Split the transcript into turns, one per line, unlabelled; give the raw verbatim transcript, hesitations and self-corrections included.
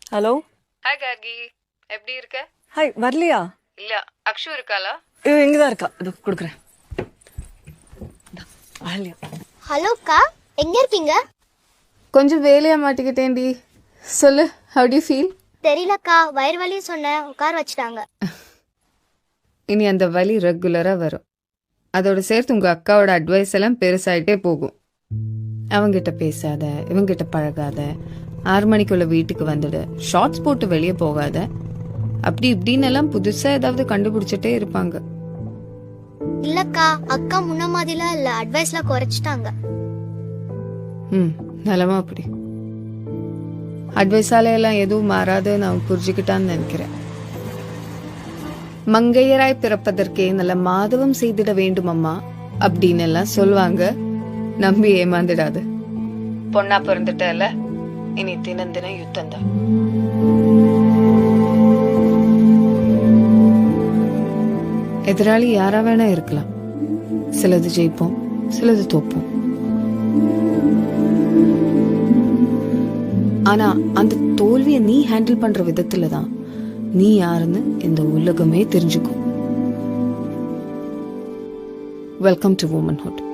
Hello.
Hi Gargi, எப்படி இருக்க?
Hi, வரலையா?
இல்ல, அக்ஷு இருக்காளா?
ஐயோ, இங்கதான் இருக்கா. இதோ கொடுக்குறேன். வரலையா?
ஹலோக்கா, எங்க இருக்கீங்க?
கொஞ்சம் வேலையா மாட்டிக்கிட்டேன்டி. சொல்லு, how do you feel?
தெரியலக்கா, வயிறு வலி சொன்னேன், உட்கார வச்சுட்டாங்க.
இனி அந்த வலி ரெகுலரா வரும். அதோட சேர்த்து உங்க அக்காவோட அட்வைஸ் எல்லாம் பெருசாயிட்டே போகும். அவங்கிட்ட பேசாத, இவங்கிட்ட பழகாத, ஆறு மணிக்குள்ள வீட்டுக்கு வந்துடு, ஷார்ட்ஸ் போட்டு வெளியே போகாத, அப்படி இப்படின்னு எல்லாம் புதுசா ஏதாவது கண்டுபிடிச்சிட்டே இருப்பாங்க.
இல்லக்கா, அக்கா முன்ன மாதிரிலாம் இல்ல, அட்வைஸ்ல குறைச்சிட்டாங்க.
ம் நலமா அப்படி அட்வைஸால எல்லாம் எதுவும் மாறாது நான் புரிஞ்சுக்கிட்டான்னு நினைக்கிறேன். மங்கையராய் பிறப்பதற்கே நல்ல மாதவம் செய்திட வேண்டும் அம்மா அப்படின்னு எல்லாம் சொல்லுவாங்க. நம்பி ஏமாந்துடாது. பொண்ணா பிறந்துட்டல, இனி தினம் தினம் யுத்தம் தான். எதிராளி யாரா வேணா இருக்கலாம். சிலது ஜெயிப்போம், சிலது தோப்போம். ஆனா அந்த தோல்வியை நீ ஹேண்டில் பண்ற விதத்துல தான் நீ யாருன்னு இந்த உலகமே தெரிஞ்சுக்கும். Welcome to womanhood.